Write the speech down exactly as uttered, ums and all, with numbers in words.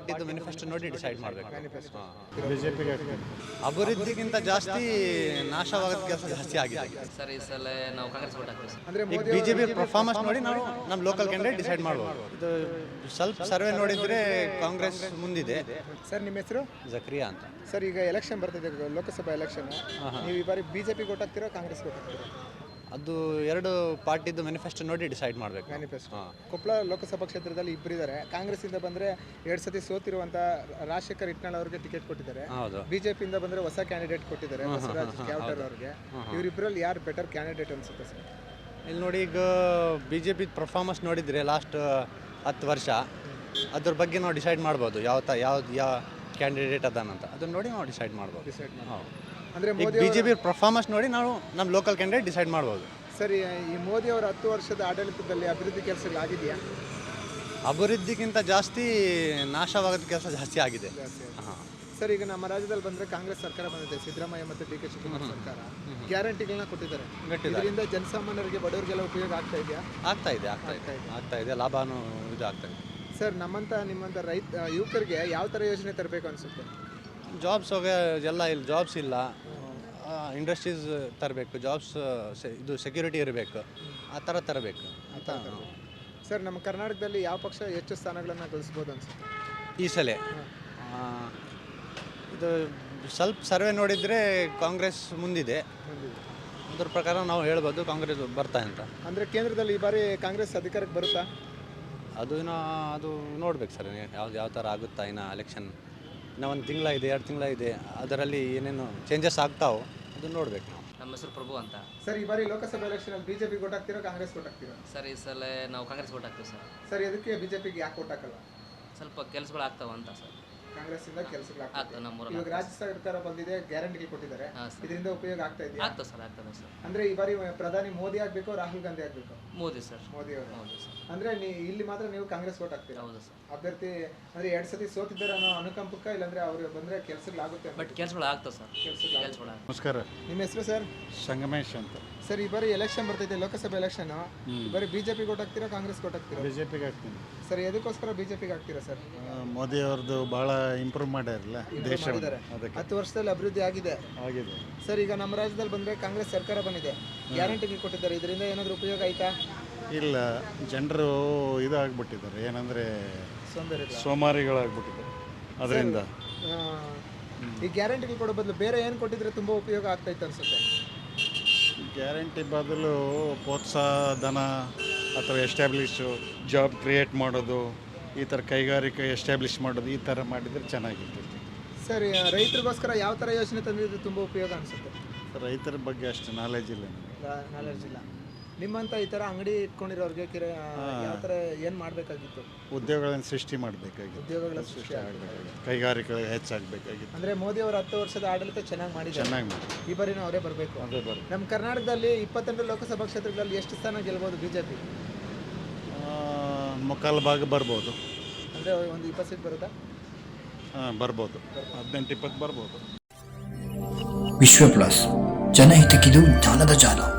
ಪಾರ್ಟಿದು manifesto ನೋಡಿ decide ಮಾಡಬೇಕು. ಬಿಜೆಪಿಗೆ ಅಭಿವೃದ್ಧಿಗಿಂತ ಜಾಸ್ತಿ ನಾಶವಾಗೋದ ಕೆಲಸ ಜಾಸ್ತಿ ಆಗಿದೆ ಸರ್. ಈ ಸಲ ನಾವು ಕಾಂಗ್ರೆಸ್ ವೋಟ್ ಹಾಕ್ತೀವಿ ಸರ್. ಅಂದ್ರೆ ಈಗ ಬಿಜೆಪಿ ಪರ್ಫಾರ್ಮೆನ್ಸ್ ನೋಡಿ ನಾವು ನಮ್ಮ ಲೋಕಲ್ ಕ್ಯಾಂಡಿಡೇಟ್ ಡಿಸೈಡ್ ಮಾಡ್ಬೋದು. ಇದು ಸ್ವಲ್ಪ ಸರ್ವೆ ನೋಡಿದ್ರೆ ಕಾಂಗ್ರೆಸ್ ಮುಂದಿದೆ. ಸರ್ ನಿಮ್ಮ ಹೆಸರು? ಜಕ್ರಿಯಾ ಅಂತ. ಸರ್ ಈಗ ಎಲೆಕ್ಷನ್ ಬರ್ತಿದೆ, ಲೋಕಸಭಾ ಎಲೆಕ್ಷನ್. ನೀವು ಈ ಬಾರಿ ಬಿಜೆಪಿ ವೋಟ್ ಹಾಕ್ತೀರಾ ಕಾಂಗ್ರೆಸ್ ವೋಟ್ ಹಾಕ್ತೀರಾ? ಅದು ಎರಡು ಪಾರ್ಟಿದು ಮ್ಯಾನಿಫೆಸ್ಟೋ ನೋಡಿ ಡಿಸೈಡ್ ಮಾಡಬೇಕು. ಮ್ಯಾನಿಫೆಸ್ಟೋ. ಕೊಪ್ಪಳ ಲೋಕಸಭಾ ಕ್ಷೇತ್ರದಲ್ಲಿ ಇಬ್ಬರಿದ್ದಾರೆ. ಕಾಂಗ್ರೆಸ್ಸಿಂದ ಬಂದರೆ ಎರಡು ಸತಿ ಸೋತಿರುವಂಥ ರಾಜಶೇಖರ್ ಇಟ್ನಾಳ್ ಅವರಿಗೆ ಟಿಕೆಟ್ ಕೊಟ್ಟಿದ್ದಾರೆ. ಹೌದು. ಬಿಜೆಪಿಯಿಂದ ಬಂದರೆ ಹೊಸ ಕ್ಯಾಂಡಿಡೇಟ್ ಕೊಟ್ಟಿದ್ದಾರೆ, ಬಸವರಾಜ್ ಕ್ಯಾವಟರ್ ಅವರಿಗೆ. ಇವರಿಬ್ಬರಲ್ಲಿ ಯಾರು ಬೆಟರ್ ಕ್ಯಾಂಡಿಡೇಟ್ ಅನ್ಸುತ್ತೆ ಸರ್? ಇಲ್ಲಿ ನೋಡಿ, ಈಗ ಬಿ ಜೆ ಪಿ ಪರ್ಫಾರ್ಮೆನ್ಸ್ ನೋಡಿದರೆ ಲಾಸ್ಟ್ ಹತ್ತು ವರ್ಷ ಅದ್ರ ಬಗ್ಗೆ ನಾವು ಡಿಸೈಡ್ ಮಾಡ್ಬೋದು ಯಾವ ತ ಯಾವ್ದು ಯಾವ ಕ್ಯಾಂಡಿಡೇಟ್ ಅದಾನಂತ. ಅದನ್ನ ನೋಡಿ ನಾವು ಡಿಸೈಡ್ ಮಾಡ್ಬೋದು. ಡಿಸೈಡ್ ಮಾಡಿ. ಹೌದು. ಅಂದರೆ ಈಗ ಬಿ ಜೆ ಪಿ ಪರ್ಫಾರ್ಮೆನ್ಸ್ ನೋಡಿ ನಾವು ನಮ್ಮ ಲೋಕಲ್ ಕ್ಯಾಂಡಿಡೇಟ್ ಡಿಸೈಡ್ ಮಾಡ್ಬೋದು. ಸರಿ, ಈ ಮೋದಿ ಅವರ ಹತ್ತು ವರ್ಷದ ಆಡಳಿತದಲ್ಲಿ ಅಭಿವೃದ್ಧಿ ಕೆಲಸಗಳಾಗಿದೆಯಾ? ಅಭಿವೃದ್ಧಿಗಿಂತ ಜಾಸ್ತಿ ನಾಶವಾಗೋದ ಕೆಲಸ ಜಾಸ್ತಿ ಆಗಿದೆ. ಹಾಂ. ಸರ್ ಈಗ ನಮ್ಮ ರಾಜ್ಯದಲ್ಲಿ ಬಂದರೆ ಕಾಂಗ್ರೆಸ್ ಸರ್ಕಾರ ಬಂದಿದೆ, ಸಿದ್ದರಾಮಯ್ಯ ಮತ್ತು ಡಿ ಕೆ ಶಿವಕುಮಾರ್ ಸರ್ಕಾರ ಗ್ಯಾರಂಟಿಗಳನ್ನ ಕೊಟ್ಟಿದ್ದಾರೆ. ಇದರಿಂದ ಜನಸಾಮಾನ್ಯರಿಗೆ ಬಡವರಿಗೆಲ್ಲ ಉಪಯೋಗ ಆಗ್ತಾ ಇದೆಯಾ? ಆಗ್ತಾ ಇದೆ ಆಗ್ತಾ ಇದೆ ಆಗ್ತಾ ಇದೆ ಲಾಭನೂ ಇದು ಆಗ್ತಾ ಇದೆ. ಸರ್ ನಮ್ಮಂಥ ನಿಮ್ಮಂಥ ರೈತ ಯುವಕರಿಗೆ ಯಾವ ಥರ ಯೋಜನೆ ತರಬೇಕು ಅನಿಸುತ್ತೆ? ಜಾಬ್ಸ್ ಹೋಗ ಎಲ್ಲ ಇಲ್ಲಿ ಜಾಬ್ಸ್ ಇಲ್ಲ, ಇಂಡಸ್ಟ್ರೀಸ್ ತರಬೇಕು, ಜಾಬ್ಸ್ ಇದು ಸೆಕ್ಯೂರಿಟಿ ಇರಬೇಕು, ಆ ಥರ ತರಬೇಕು ಅಂತ. ಸರ್ ನಮ್ಮ ಕರ್ನಾಟಕದಲ್ಲಿ ಯಾವ ಪಕ್ಷ ಹೆಚ್ಚು ಸ್ಥಾನಗಳನ್ನು ಗಳಿಸ್ಬೋದು ಅನಿಸುತ್ತೆ ಈ ಸಲ? ಇದು ಸ್ವಲ್ಪ ಸರ್ವೆ ನೋಡಿದರೆ ಕಾಂಗ್ರೆಸ್ ಮುಂದಿದೆ. ಅದ್ರ ಪ್ರಕಾರ ನಾವು ಹೇಳ್ಬೋದು ಕಾಂಗ್ರೆಸ್ ಬರ್ತಾ ಅಂತ. ಅಂದರೆ ಕೇಂದ್ರದಲ್ಲಿ ಈ ಬಾರಿ ಕಾಂಗ್ರೆಸ್ ಅಧಿಕಾರಕ್ಕೆ ಬರುತ್ತಾ? ಅದು ಇನ್ನೂ ಅದು ನೋಡ್ಬೇಕು ಸರ್, ಯಾವ್ದು ಯಾವ ಥರ ಆಗುತ್ತಾ. ಇನ್ನು ಎಲೆಕ್ಷನ್ ಇನ್ನೂ ಒಂದು ತಿಂಗಳ ಇದೆ, ಎರಡು ತಿಂಗಳ ಇದೆ, ಅದರಲ್ಲಿ ಏನೇನು ಚೇಂಜಸ್ ಆಗ್ತಾವೋ ಅದನ್ನು ನೋಡ್ಬೇಕು ನಾವು. ನಮ್ಮ ಹೆಸರು ಪ್ರಭು ಅಂತ. ಸರ್ ಈ ಬಾರಿ ಲೋಕಸಭಾ ಎಲೆಕ್ಷನಲ್ಲಿ ಬಿಜೆಪಿ ವೋಟ್ ಹಾಕ್ತೀರಾ ಕಾಂಗ್ರೆಸ್ ವೋಟ್ ಹಾಕ್ತೀರಾ? ಸರ್ ಈ ಸಲ ನಾವು ಕಾಂಗ್ರೆಸ್ ವೋಟ್ ಹಾಕ್ತೀವಿ ಸರ್. ಸರ್ ಇದಕ್ಕೆ ಬಿಜೆಪಿಗೆ ಯಾಕೆ ವೋಟ್ ಹಾಕಲ್ಲ? ಸ್ವಲ್ಪ ಕೆಲಸಗಳು ಆಗ್ತಾವ ಅಂತ ಸರ್. ಕಾಂಗ್ರೆಸ್ಸಿಂದ ಕೆಲಸಗಳಾಗ್ತದೆ. ಆಗ್ತದೆ ನಮ್ಮೂರಲ್ಲಿ. ಇವಾಗ ರಾಜ್ಯ ಸರ್ಕಾರ ಬಂದಿದೆ, ಗ್ಯಾರಂಟಿಗಳು ಕೊಟ್ಟಿದ್ದಾರೆ, ಇದರಿಂದ ಉಪಯೋಗ ಆಗ್ತಾ ಇದೆಯಾ? ಆಗ್ತದೆ ಸರ್, ಆಗ್ತದೆ ಸರ್. ಅಂದ್ರೆ ಈ ಬಾರಿ ಪ್ರಧಾನಿ ಮೋದಿ ಆಗಬೇಕು, ರಾಹುಲ್ ಗಾಂಧಿ ಆಗಬೇಕು? ಮೋದಿ ಸರ್. ಮೋದಿ ಅವರು. ಹೌದು ಸರ್. ಅಂದ್ರೆ ನೀ ಇಲ್ಲಿ ಮಾತ್ರ ನೀವು ಕಾಂಗ್ರೆಸ್ ವೋಟ್ ಹಾಕ್ತೀರಾ? ಹೌದು ಸರ್. ಅಭ್ಯರ್ಥಿ ಅಂದ್ರೆ ಎರಡು ಸತಿ ಸೋತಿದ್ದಾರೆ ಅನ್ನೋ ಅನುಕಂಪಕ್ಕ, ಇಲ್ಲಾಂದ್ರೆ ಅವ್ರು ಬಂದ್ರೆ ಕೆಲಸಗಳಾಗುತ್ತೆ? ಬಟ್ ಕೆಲಸಗಳು ಆಗ್ತವೆ ಸರ್. ಕೆಲಸಗಳು ಕೆಲಸಗಳು ಆಗ್ತವೆ. ನಮಸ್ಕಾರ. ನಿಮ್ಮ ಹೆಸರು ಸರ್? ಸಂಗಮೇಶ್ ಅಂತ. ಸರ್ ಈ ಬಾರಿ ಎಲೆಕ್ಷನ್ ಬರ್ತಿದೆ, ಲೋಕಸಭಾ ಎಲೆಕ್ಷನ್. ಈ ಬಾರಿ ಬಿಜೆಪಿ ವೋಟ್ ಹಾಕ್ತೀರಾ ಕಾಂಗ್ರೆಸ್ ವೋಟ್ ಹಾಕ್ತೀರಾ? ಬಿಜೆಪಿಗೆ ಹಾಕ್ತೀನಿ. ಸರ್ ಎದಕ್ಕೋಸ್ಕರ ಬಿಜೆಪಿಗೆ ಹಾಕ್ತೀರಾ ಸರ್? ಮೋದಿ ಅವ್ರದ್ದು ಭಾಳ ಇಂಪ್ರೂವ್ ಮಾಡ್ಯಾರಲ್ಲ ದೇಶ, ಅದಕ್ಕೆ. ಹತ್ತು ವರ್ಷದಲ್ಲಿ ಅಭಿವೃದ್ಧಿ ಆಗಿದೆ ಆಗಿದೆ ಸರ್. ಈಗ ನಮ್ಮ ರಾಜ್ಯದಲ್ಲಿ ಬಂದ್ರೆ ಕಾಂಗ್ರೆಸ್ ಸರ್ಕಾರ ಬಂದಿದೆ, ಗ್ಯಾರಂಟಿಗಳು ಕೊಟ್ಟಿದ್ದಾರೆ, ಇದರಿಂದ ಏನಾದರೂ ಉಪಯೋಗ ಆಯ್ತಾ? ಇಲ್ಲ, ಜನರು ಇದಾಗ್ಬಿಟ್ಟಿದ್ದಾರೆ, ಏನಂದರೆ ಸೋಂಬೇರಿ ಸೋಮಾರಿಗಳಾಗ್ಬಿಟ್ಟಿದ್ದಾರೆ ಅದರಿಂದ. ಈ ಗ್ಯಾರಂಟಿಗಳು ಕೊಡೋ ಬದಲು ಬೇರೆ ಏನು ಕೊಟ್ಟಿದ್ರೆ ತುಂಬ ಉಪಯೋಗ ಆಗ್ತಾಯಿತ್ತು ಅನ್ಸುತ್ತೆ? ಗ್ಯಾರಂಟಿ ಬದಲು ಪ್ರೋತ್ಸಾಹ ಧನ ಅಥವಾ ಎಸ್ಟಾಬ್ಲಿಷು ಜಾಬ್ ಕ್ರಿಯೇಟ್ ಮಾಡೋದು, ಈ ಥರ ಕೈಗಾರಿಕೆ ಎಸ್ಟಾಬ್ಲಿಷ್ ಮಾಡೋದು, ಈ ಥರ ಮಾಡಿದರೆ ಚೆನ್ನಾಗಿರ್ತೈತಿ. ಸರ್ ರೈತರಿಗೋಸ್ಕರ ಯಾವ ಥರ ಯೋಜನೆ ತಂದಿದ್ರೆ ತುಂಬ ಉಪಯೋಗ ಅನಿಸುತ್ತೆ? ರೈತರ ಬಗ್ಗೆ ಅಷ್ಟು ನಾಲೆಜ್ ಇಲ್ಲ ನನಗೆ. ನಾಲೆಡ್ಜ್ ಇಲ್ಲ. ನಿಮ್ಮಂಥ ಈ ಥರ ಅಂಗಡಿ ಇಟ್ಕೊಂಡಿರೋರಿಗೆ ಕಿರ ಯಾವ ಥರ ಏನು ಮಾಡಬೇಕಾಗಿತ್ತು? ಉದ್ಯೋಗಗಳನ್ನು ಸೃಷ್ಟಿ ಮಾಡಬೇಕಾಗಿತ್ತು, ಉದ್ಯೋಗಗಳ ಸೃಷ್ಟಿ ಆಗಬೇಕಾಗಿತ್ತು, ಕೈಗಾರಿಕೆಗಳು ಹೆಚ್ಚಾಗಬೇಕಾಗಿತ್ತು. ಅಂದರೆ ಮೋದಿ ಅವರ ಹತ್ತು ವರ್ಷದ ಆಡಳಿತ ಚೆನ್ನಾಗಿ ಮಾಡಿದ್ದಾರೆ, ಚೆನ್ನಾಗಿ ಮಾಡಿ ಈ ಬಾರಿನೂ ಅವರೇ ಬರಬೇಕು. ಅದೇ ಬರ ನಮ್ಮ ಕರ್ನಾಟಕದಲ್ಲಿ ಇಪ್ಪತ್ತೆಂಟು ಲೋಕಸಭಾ ಕ್ಷೇತ್ರಗಳಲ್ಲಿ ಎಷ್ಟು ಸ್ಥಾನ ಗೆಲ್ಬೋದು ಬಿ ಜೆ ಪಿ? ಮುಕ್ಕಾಲು ಭಾಗ ಬರ್ಬೋದು. ಅಂದರೆ ಒಂದು ಇಪ್ಪತ್ತು ಸೀಟ್ ಬರುತ್ತಾ? ಹಾಂ ಬರ್ಬೋದು, ಹದಿನೆಂಟು ಇಪ್ಪತ್ತು ಬರ್ಬೋದು. ವಿಶ್ವ ಪ್ಲಸ್, ಜನಹಿತಕ್ಕಿದು ಜ್ಞಾನದ ಜಾಲ.